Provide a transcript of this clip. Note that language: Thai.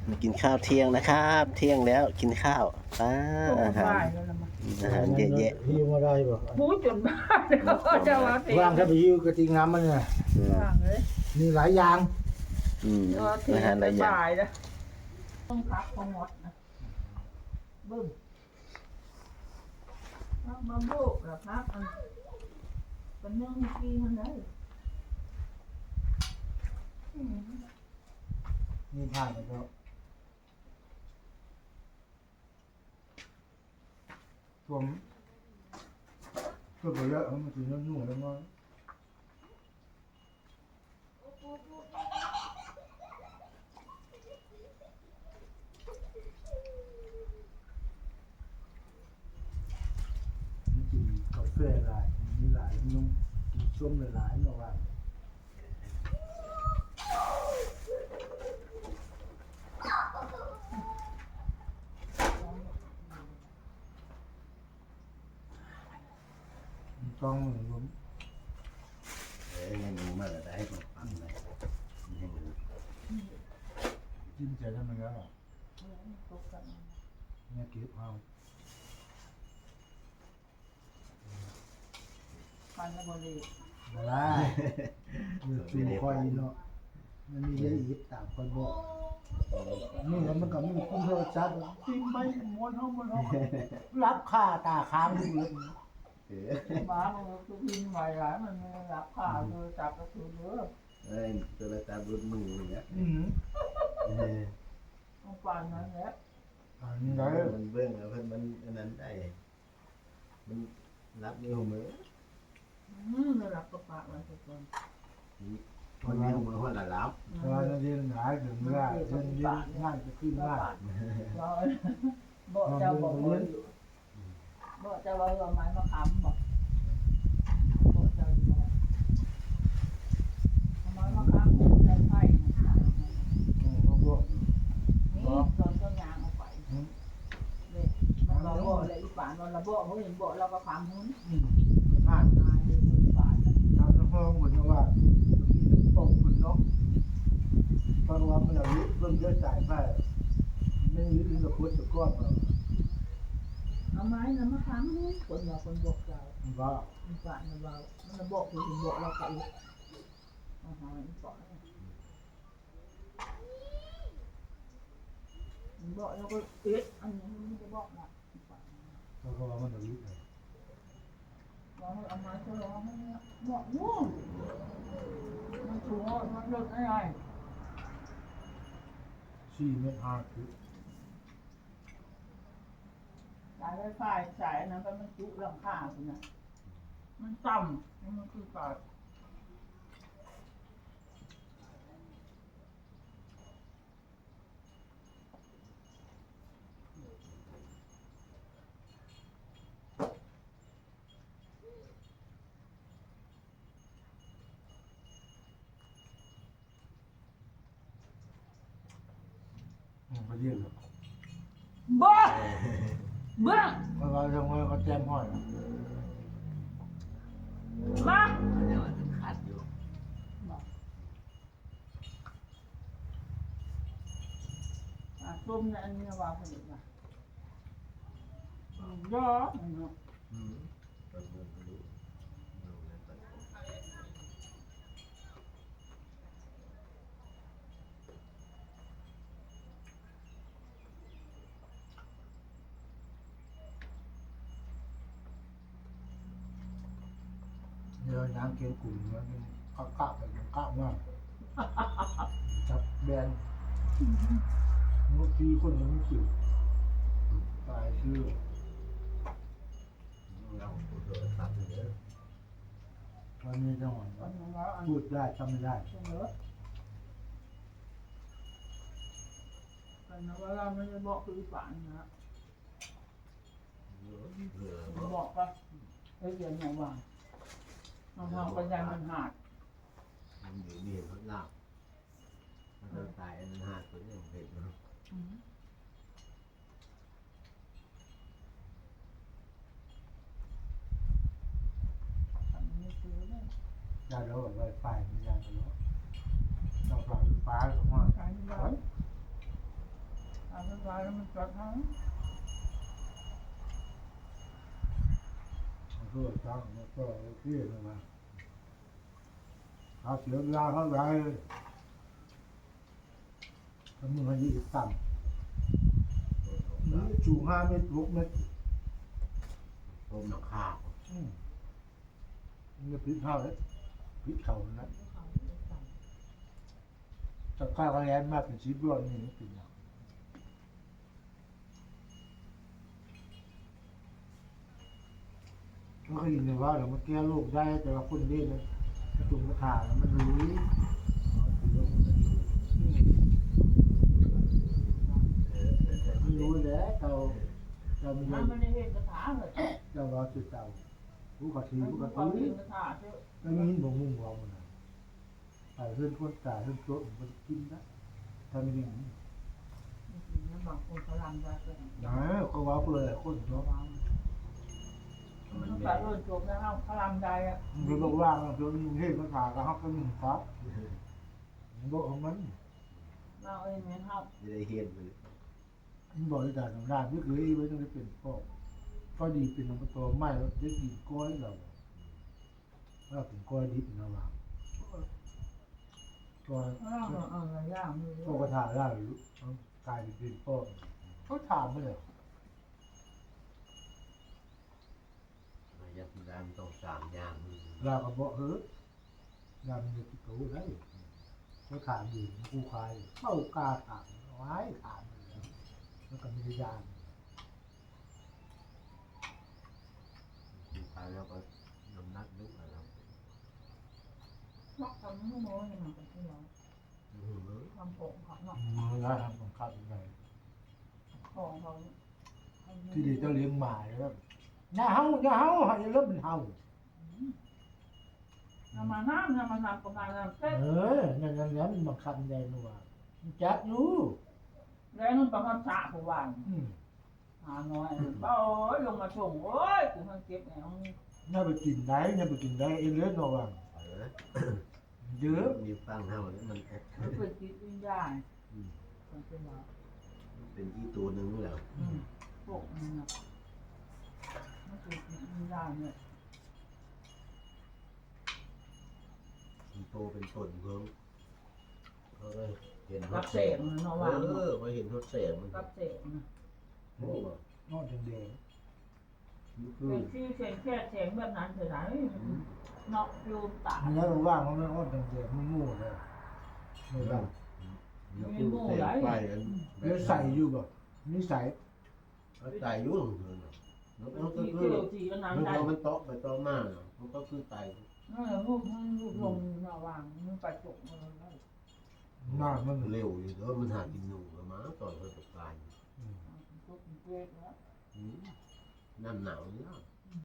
มากินข้าวเที่ยงนะครับ เที่ยงแล้วกินข้าวอาหารอาหารเยอะแยะหิวมาได้บ่พูดจนบ้าเลยเขาจะว่าเพลงว่างถ้าไปหิวกระติงน้ำมันเนี่ยว่างเลยมีหลายอย่างอาหารหลายอย่างบ่ายนะต้องพักของหมดนะบึ้มพักมาโบกหรอพักอันเป็นเรื่องกีมันได้มีผ่านแล้วก็ท่วมก็ไปเยอะมันถึงนุ่งแล้วมั้งมันกินกาแฟหลายมีหลายนุ่งกินส้มหลายๆเนาะว่าต้องผมยังรู้มาแล้วได้ให้ผมฟังเลยยังรู้จิ้มใจทำไมแล้วเนี่ยเก็บเอาฟันแล้วบริมาได้จุ่มคอยเนาะมันมีเยอะอีกต่างคนบอกนี่แล้วมันก็มีคุ้มโทรศัพท์จิ้มไปม้วนห้องรับค่าตาค้างอยู่เลยหมามันคือพิมพ์ใหม่หลายมันไม่รับข่าวเลยจับกระสุนเยอะตัวละตาบุญมืออย่างเงี้ยต้องฟันนั้นแหละอันนี้ได้มันเบื้องแล้วเพิ่นมันอันนั้นได้มันรับนิ้วมือไม่รับกระปากมันทุกคนคนนิ้วมือคนละรับเวลาเรียนหาถึงง่ายเรียนง่ายจะขึ้นง่ายเราบอกเจ้าบอกว่าบอกเจ้าว่าเอาไม้มาค้ำบอกบอกเจ้าอยู่ว่าเอาไม้มาค้ำใส่ไผ่มาบอกนี่ตอนต้นยางเอาไปเลยมันบอกเลยอีป่านเราบอกเขาเห็นบอกเราก็ค้ำหุ้นง่ายตายเลยอีป่านทางห้องเหมือนว่ามีตกคนเนาะเพราะว่ามันเอาเบิ่งเยอะจ่ายไปไม่มีอื่นกับพุทธก้อนเราเอาไม้นะมาค้ำหุ้นคนเราคนบอกเราว่าอีป่านเรามันบอกคือบอกเราไปอ๋ออีป่านบอกเราก็เอ๊ะอันนี้มันจะบอกนะอีป่านเพราะว่ามันเอาลิ้นเลยเราเอามาจะร้องไม่บอกง่วงมันชัวร์มันเลิกอะไร 4 เมตร 5 คือสายไฟฟ้าสายนั้นมันจุหลังคาคุณนะมันต่ำมันคือปาดเขาเรียกเลยบ้าเบื้องเพราะว่าทางว่าเขาแจ้งห้อยมามันยังขาดอยู่ต้มในอันนี้ว่าผลิตมาย่อเนาะเดี๋ยวน้ำเกลือกลุ่มมันก้าวไปก้าวมากจับแบนเมื่อกี้คนยังไม่จืดตายชื่อเราโทรศัพท์เยอะวันนี้จังหวะอันนี้ว่าอันพูดได้ทำไม่ได้เยอะแต่นะว่าเราไม่ได้บอกคือฝันนะบอกว่าเอ้ยเดี๋ยวไหนวางน้องๆปัญญามันหาดมันอยู่นี่เขาหลับมันตายอันนั้นหาตัวนี้เห็นเนาะอันนี้ซื้อเลยยาเดี๋ยวแบบไวไฟไม่ยาเดี๋ยวต้องฟังฟ้าหรือว่าการที่ว่าตายแล้วมันจัดทั้งเพื่อตั้งแล้วก็เที่ยงมาเขาเสียเวลาเขาไรถ้ามึงให้ยืดต่ำนี่จูง5 เมตร6 เมตรต้มหนักข้าวมันจะพลิกเข้าเลยพลิกเข่านะจะข้าวคะแนนมากเป็นชีวิตรอดนี่เป็นอย่างก็เคยยินว่าเรามาแก้โรคได้แต่ว่าคนเล่นนะกระตุกกระถางมันรู้มันรู้แล้วเราไม่มัได้นไม่ได้เห็นกระถาเลยเรารอจุดเตาผู้ขัดทีมันผู้คืขัอดความทีเห็นกระถาเจ้าไม่มีหินบ่งมุ่งเรามันนะไปเพื่อนคนตายเพื่อนโต๊ะมันกินนะถ้าไม่ได้มันบางคนเขาลำได้ก็นะก็ว่าเพื่อนคนเนาะมันต้องการเรื่องจบแล้วเขาลำได้อะมันก็ว่างเพื่อนเฮ้ยมันถากับฮักกันหนึ่งครับมันบอกของมันเราเองเนี่ยเขาจะได้เฮียนไปเลยมันบอกที่ด่านของด่านไม่เคยไว้ต้องได้เป็นพ่อก็ดีเป็นน้ำตัวไม่แล้วได้กินก้อยเราถ้าเป็นก้อยดิบนะว่าก้อยเราย่างมือพ่อก็ถาได้หรือกลายเป็นพ่อเขาถามไม่เลยมายัดดามต้อง3 อย่างเราก็บอกยำเนี่ยที่เขาได้เขาถามอยู่กูขายเข้ากาถามไว้ถามเลยแล้วก็มียานตายแล้วก็น้ำหนักลึกแล้วมักทำให้โม้ยังไงกันที่เราทำผมของเนาะมือละทำของข้าวยังไงของเขาที่ดีต้องเลี้ยงหมาแล้วอย่าเห่าให้เริ่มเป็นเห่าทำมาน้ำประมาณนั้นเต้นั่นมันบังคับได้นัวมันจับอยู่แล้วนั่นประมาณสะผู้วานหาน้อยโอ้ยลงมาส่งโอ้ยกูมันเก็บแนวน่าไปกินได้เอ็นเลือดนัวเยอะมีฟังเท่านี้มันมันเป็นจิตวิญญาณมันเป็นว่าเป็นที่ตัวหนึ่งแล้วพวกนี้นะมันเป็นจิตวิญญาณเนี่ยมันโตเป็นต้นเพิ่งเขาก็เห็นรับเสกมันเนาะว่ามาเห็นทดเสกมันรับเสกนะโอ้นอกจากเดียวเป็นชื่อเสียงแค่เสียงแบบนั้นเถอะนะเนาะโยมตามันแล้วว่างมันนอกจากเดียวมันงูเลยไม่ได้มีหมูไหลไปกันแล้วใส่อยู่แบบนี่ใส่ตายยุ่งเลยแล้วก็ที่คืเกี่อยวที่ก็มันน้ำได้มันโตไปโตมามันก็คือตายนั่นแหละลูกลงระวางมันไปจกมันได้หน้ามันเร็วอยู่แล้วมันหากินหนูกับม้าตอนเขาตกตายทุกเกล็ดแล้วน้ำหนาวเนี่ย